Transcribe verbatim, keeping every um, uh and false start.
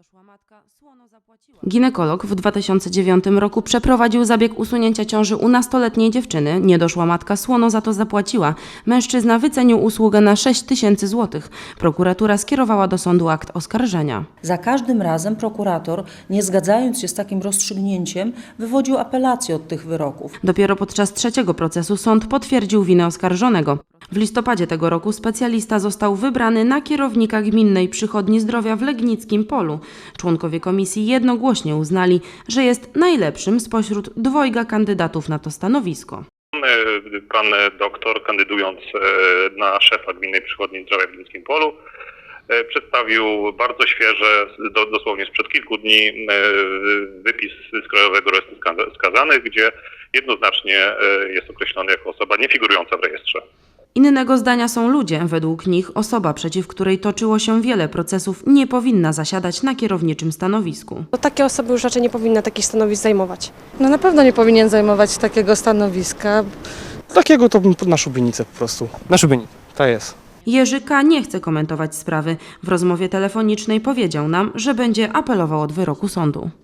Niedoszła matka słono zapłaciła. Ginekolog w dwa tysiące dziewiątym roku przeprowadził zabieg usunięcia ciąży u nastoletniej dziewczyny. Niedoszła matka słono za to zapłaciła. Mężczyzna wycenił usługę na sześć tysięcy złotych. Prokuratura skierowała do sądu akt oskarżenia. Za każdym razem prokurator, nie zgadzając się z takim rozstrzygnięciem, wywodził apelację od tych wyroków. Dopiero podczas trzeciego procesu sąd potwierdził winę oskarżonego. W listopadzie tego roku specjalista został wybrany na kierownika Gminnej Przychodni Zdrowia w Legnickim Polu. Członkowie komisji jednogłośnie uznali, że jest najlepszym spośród dwojga kandydatów na to stanowisko. Pan doktor, kandydując na szefa Gminnej Przychodni Zdrowia w Legnickim Polu, przedstawił bardzo świeże, dosłownie sprzed kilku dni, wypis z Krajowego Rejestru Skazanych, gdzie jednoznacznie jest określony jako osoba niefigurująca w rejestrze. Innego zdania są ludzie. Według nich osoba, przeciw której toczyło się wiele procesów, nie powinna zasiadać na kierowniczym stanowisku. To takie osoby już raczej nie powinny takich stanowisk zajmować. No na pewno nie powinien zajmować takiego stanowiska. Takiego to bym na szubienicę po prostu. Na szubienicę, to jest. Jerzy K. nie chce komentować sprawy. W rozmowie telefonicznej powiedział nam, że będzie apelował od wyroku sądu.